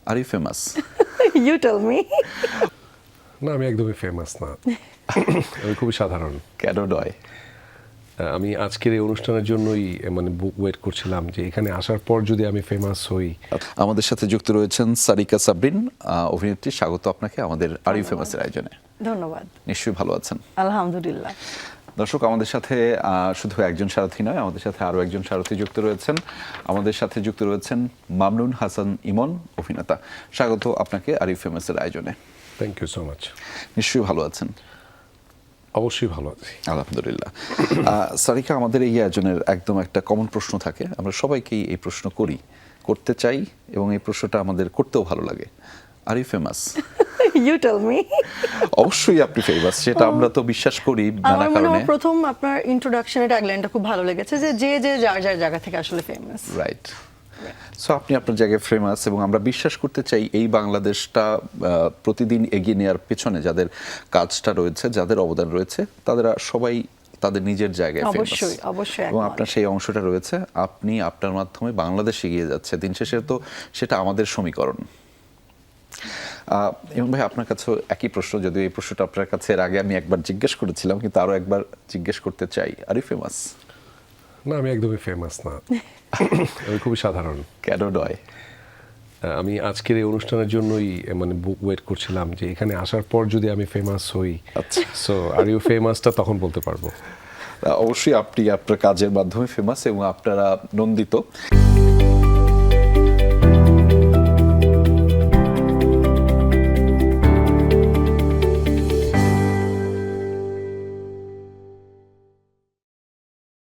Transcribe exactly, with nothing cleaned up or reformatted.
R you famous? You tell me. না, আমি একদমই ফেমাস না। আমি খুবই সাধারণ। কেন নয়? আমি আজকের এই অনুষ্ঠানের জন্যই মানে বুক ওয়েট করছিলাম যে এখানে আসার পর যদি আমি ফেমাস হই। আমাদের সাথে যুক্ত রয়েছেন সারিকা সাবরিন, আহ, অভিনেত্রী। স্বাগত আপনাকে আমাদের আর ইউ ফেমাসের আয়োজনে। ধন্যবাদ। নিশ্চয়ই ভালো আছেন? আলহামদুলিল্লাহ। দর্শক, আমাদের সাথে আহ, শুধু একজন সারথী নয়, আমাদের সাথে আরও একজন সারথী যুক্ত রয়েছেন। আমাদের সাথে যুক্ত রয়েছেন মামনুন হাসান ইমন, অভিনেতা। স্বাগত আপনাকে আর ইউ ফেমাসের আয়োজনে। Thank you so much. নিশ্চয়ই ভালো আছেন? অবশ্যই ভালো আছি। আলহামদুলিল্লাহ। আহ, সারিকা, আমাদের এই আয়োজনের একদম একটা কমন প্রশ্ন থাকে, আমরা সবাইকেই এই প্রশ্ন করি, করতে চাই, এবং এই প্রশ্নটা আমাদের করতেও ভালো লাগে। Are you famous? You tell me. অবশ্যই আপনি ফেমাস, সেটা আমরা তো বিশ্বাস করি নানা আমার মনে কারণে। হয় প্রথম আপনার ইন্ট্রোডাকশনের ট্যাগলাইনটা খুব ভালো লেগেছে, যে যে যে যার যার জায়গা থেকে আসলে ফেমাস। রাইট। সো আপনি আপনার জায়গায় ফেমাস, এবং আমরা বিশ্বাস করতে চাই এই বাংলাদেশটা আহ, প্রতিদিন এগিয়ে নেওয়ার পেছনে যাদের কাজটা রয়েছে, যাদের অবদান রয়েছে, তারা সবাই তাদের নিজের জায়গায় ফেমাস। অবশ্যই, অবশ্যই। এবং আপনার সেই অংশটা রয়েছে, আপনি আপনার মাধ্যমে বাংলাদেশ এগিয়ে যাচ্ছে। দিন শেষে তো সেটা আমাদের সমীকরণ। আহ, এবং ভাই, আপনার কাছে একই প্রশ্ন, যদিও এই প্রশ্নটা আপনার কাছে এর আগে আমি একবার জিজ্ঞেস করেছিলাম, কিন্তু আরো একবার জিজ্ঞেস করতে চাই। Are you famous? না, আমি একদমই ফেমাস না। আমি খুবই সাধারণ। কেন নয়? আমি আজকের এই অনুষ্ঠানের জন্যই মানে বুক ওয়েট করছিলাম যে এখানে আসার পর যদি আমি ফেমাস হই। আচ্ছা। সো আর ইউ ফেমাসটা তখন বলতে পারবো। অবশ্যই আপনি আপনার কাজের মাধ্যমে ফেমাস, এবং আপনারা নন্দিত।